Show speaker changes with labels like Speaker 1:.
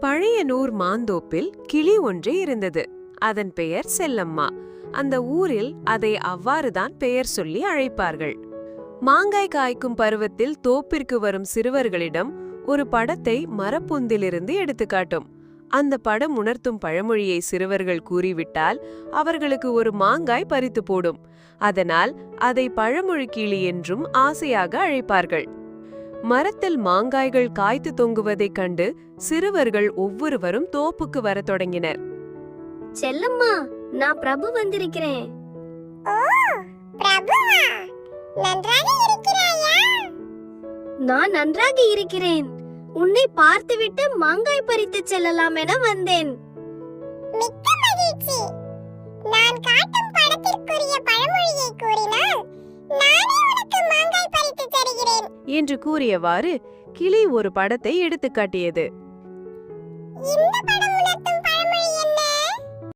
Speaker 1: பழையனூர் மாந்தோப்பில் கிளி ஒன்று இருந்தது. அதன் பெயர் செல்லம்மா. அந்த ஊரில் அதை அவ்வாறுதான் பெயர் சொல்லி அழைப்பார்கள். மாங்காய் காய்க்கும் பருவத்தில் தோப்பிற்கு வரும் சிறுவர்களிடம் ஒரு படத்தை மரப்பொந்திலிருந்து எடுத்துக்காட்டும். அந்த படம் உணர்த்தும் பழமொழியை சிறுவர்கள் கூறிவிட்டால் அவர்களுக்கு ஒரு மாங்காய் பறித்து போடும். அதனால் அதை பழமொழி கிளி என்றும் ஆசையாக அழைப்பார்கள். மரத்தில் மாங்காய்கள் காய்த்து தொங்குவதைக் கண்டு சிறுவர்கள் ஒவ்வொருவரும் தோப்புக்கு வரத் தொடங்கினர்.
Speaker 2: செல்லம்மா, நான் பிரபு வந்திருக்கிறேன்.
Speaker 3: ஓ, பிரபுவா, நன்றாக இருக்கிறாயா?
Speaker 2: நான் நன்றாக இருக்கிறேன். உன்னை பார்த்துவிட்டு மாங்காய் பறித்து செல்லலாம் என வந்தேன்.
Speaker 3: மிக்க மகிழ்ச்சி. நான் காட்டும் படத்திற்குரிய பழமொழியை கூறினால் நானே உனக்கு மாங்காய் பறித்து தருகிறேன்
Speaker 1: என்று கூறியவாறு கிளி ஒரு படத்தை எடுத்துக்காட்டியது.
Speaker 3: இந்த படம்